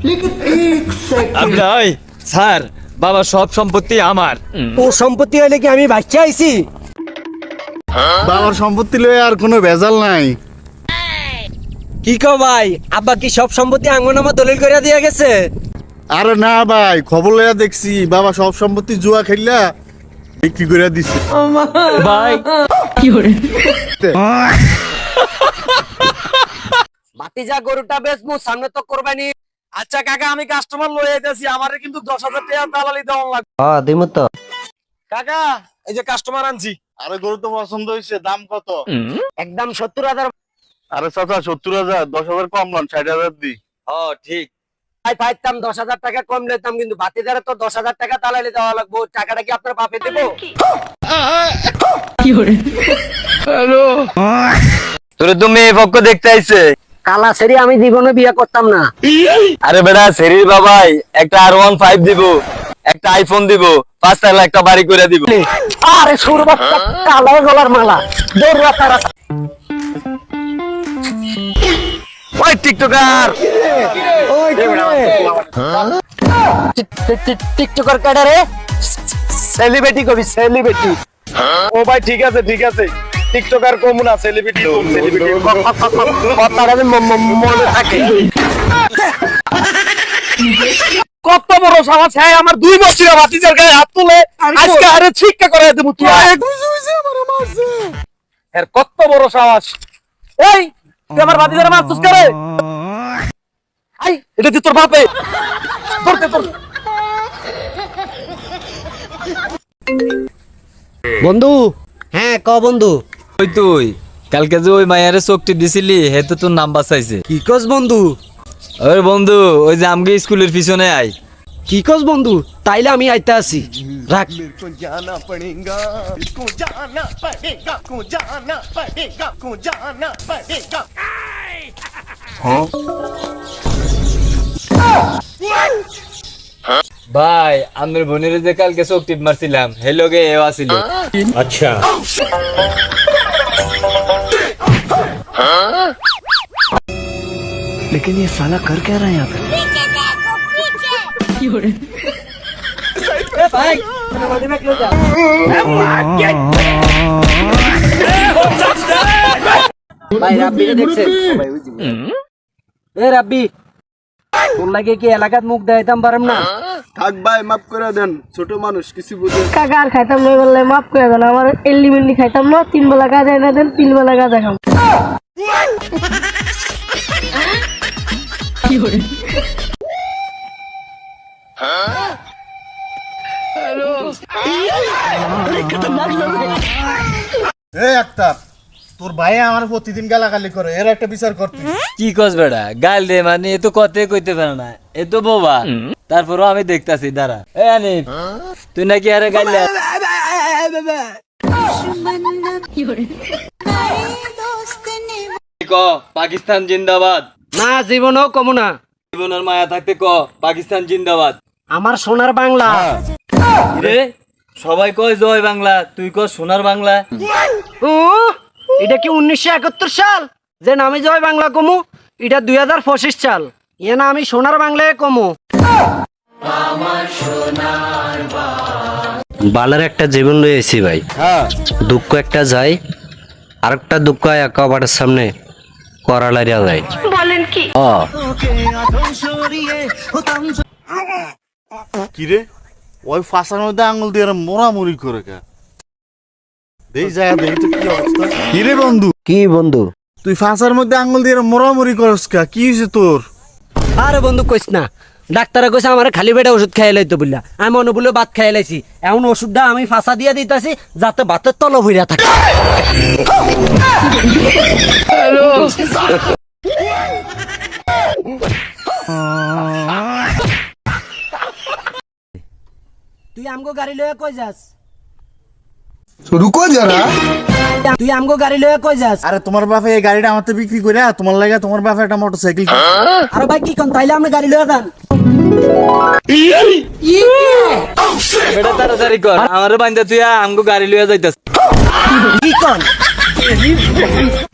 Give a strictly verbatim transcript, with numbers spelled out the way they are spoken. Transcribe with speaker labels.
Speaker 1: আপনার ওই স্যার বাবা সব সম্পত্তি আমার।
Speaker 2: ও সম্পত্তি হইলে কি আমি বাচ্চা আইছি?
Speaker 3: বাবার সম্পত্তি লয়ে আর কোনো ভেজাল নাই।
Speaker 2: কি কো ভাই, আব্বা কি সব সম্পত্তি আঙ্গনামা দলিল করে দিয়ে গেছে?
Speaker 3: আরে না ভাই, খবর লইয়া দেখছি বাবা সব সম্পত্তি জুয়া খেললা বিক্রি করে দিছে।
Speaker 1: ভাই
Speaker 2: ভাতিজা গরুটা বেচমু, সামনে তো কোরবানি।
Speaker 4: আচ্ছা কাকা, আমি কাস্টমার লয়ে আইতাছি, আমারে কিন্তু দশ হাজার টাকা দালালি দেওয়া লাগবে।
Speaker 2: হ্যাঁ দিমু তো।
Speaker 4: কাকা এই যে কাস্টমার আনছি।
Speaker 3: আরে গরু তো পছন্দ হয়েছে, দাম কত?
Speaker 2: একদম সত্তর হাজার।
Speaker 3: আরে চাচা সত্তর হাজার, দশ হাজার কম লন, ষাট হাজার দি।
Speaker 1: ও ঠিক।
Speaker 2: ভাই পাইতাম দশ হাজার টাকা কম নিতাম, কিন্তু ভাতিজারে তো দশ হাজার টাকা দালালি দেওয়া লাগবে। টাকাটা কি আপনার বাপে দেবো?
Speaker 1: তোরে তো মেয়ে পক্ষ দেখতে আইছে।
Speaker 2: কালা সেরি আমি জীবনে বিয়ে করতাম না।
Speaker 1: আরে বেটা সেরির বাবাই একটা আর ওয়ান ফাইভ দিব, একটা আইফোন দিব, পাঁচ তালা একটা বাড়ি করে দিব।
Speaker 2: আরে সুরবাত কালা গলার মালা দৌড়া তারা।
Speaker 1: ওই টিকটকার
Speaker 2: টিকটকার কাটা রে, সেলিব্রিটি কবি সেলিব্রিটি।
Speaker 4: ও ভাই ঠিক আছে ঠিক আছে, টিকটকার কম না, সেলিব্রিটি কম, সেলিব্রিটি
Speaker 2: কথাটা মনে থাকে।
Speaker 4: কত বড় সাহস! হ্যাঁ আমার দুই বছর ভাতিজার গায়ে হাত তুলে আজকে আরে শিক্ষা করে দেব তুই। এর কত বড় সাহস! এই তুই আমার ভাতিজার মারছিস করে? আই এটা তুই তোর বাপে ধরতে তোর।
Speaker 2: বন্ধু, হ্যাঁ ক বন্ধু।
Speaker 1: ওই তুই কালকে যে ওই মায়ারে চোখটি দিছিলি হে তো তোর নাম বাঁচাইছে।
Speaker 2: কি কস বন্ধু?
Speaker 1: ওই বন্ধু ওই যে আমগে স্কুলের পিছনে আই।
Speaker 2: কি কস বন্ধু? তাইলে আমি আইতে আছি, রাখ।
Speaker 1: ভাই আমার বোনের যে কালকে চোখ টিপ মারছিলাম হে লগে এও আসিল।
Speaker 5: अच्छा
Speaker 2: लेकिन ये साला कर क्या रहा है यहाँ पे? ভাই রাব্বি দেখছেন? এ রাব্বি, তোর লাগে কি এলাকাত মুখ দেখাইতাম পারম না?
Speaker 3: থাক ভাই, মাফ করে দেন, ছোট মানুষ কিছু বুঝে।
Speaker 6: কাকা আর খাইতাম না, বললে মাফ করে দেন। আমার এলিমেন্টলি খাইতাম না, তিন বেলা কাজ এনে দেন, তিন বেলা কাজ দেখাম।
Speaker 3: এই আক্তার, তোর ভাই আমার প্রতিদিন গালাগালি করে, এর একটা বিচার করতে।
Speaker 1: কি কস বেটা গাল দে, মানে এ তো কতে কইতে পারে না, এ তো বোবা। তারপরও আমি দেখতাছি দাঁড়া। এ আনিফ তুই নাকি আরে গাল দে। ক পাকিস্তান জিন্দাবাদ।
Speaker 2: না জীবনও কমু না।
Speaker 1: জীবনের মায়া থাকতে ক পাকিস্তান জিন্দাবাদ।
Speaker 2: আমার সোনার বাংলা।
Speaker 1: রে সবাই কয় জয় বাংলা, তুই ক সোনার বাংলা।
Speaker 2: ও এটা কি উনিশশো একাত্তর সাল যে আমি জয় বাংলা কমু? এটা দুই হাজার পঁচিশ সাল, এ না আমি সোনার বাংলায় কমু।
Speaker 7: বালের একটা জীবন লইছি ভাই। দুঃখ একটা যায়, আরেকটা দুঃখ একেবারের সামনে করালাইয়া যায়।
Speaker 6: বলেন কি?
Speaker 3: কিরে ওই ফাঁসার মধ্যে আঙুল দিয়ে মোড়ামুড়ি করে কে? দেই যায় দেই তো কি অবস্থা। কিরে বন্ধু,
Speaker 7: কি বন্ধু?
Speaker 3: তুই ফাঁসার মধ্যে আঙুল দিয়ে মোড়ামুড়ি করস কা? কি হয়েছে তোর?
Speaker 2: আরে বন্ধু কইস না, ডাক্তারে কইছে আমার খালি পেটে ওষুধ খাইয়ে লাইতো বললা। আমি মনে বলে ভাত খাইয়ে লাইছি, এমন ওষুধটা আমি ফাঁসা দিয়ে দিতেছি যাতে ভাতের তল ভইরা থাকে। তুই আমগো গাড়ি লয়ে কই যাস?
Speaker 3: রুকো যারা,
Speaker 2: তুই আমগো গাড়ি লয়ে কই যাস?
Speaker 3: আরে তোমার বাপে এই গাড়িটা আমাতে বিক্রি করে তোমার লাগে তোমার বাপে একটা মোটরসাইকেল।
Speaker 2: আরে ভাই কি কোন, তাইলে আমরা গাড়ি লয়ে যান।
Speaker 1: বেটা তাড়াতাড়ি কর, আমারে বান্দা তুই আমগো গাড়ি লইয়া যাইতাস।
Speaker 2: কি কোন?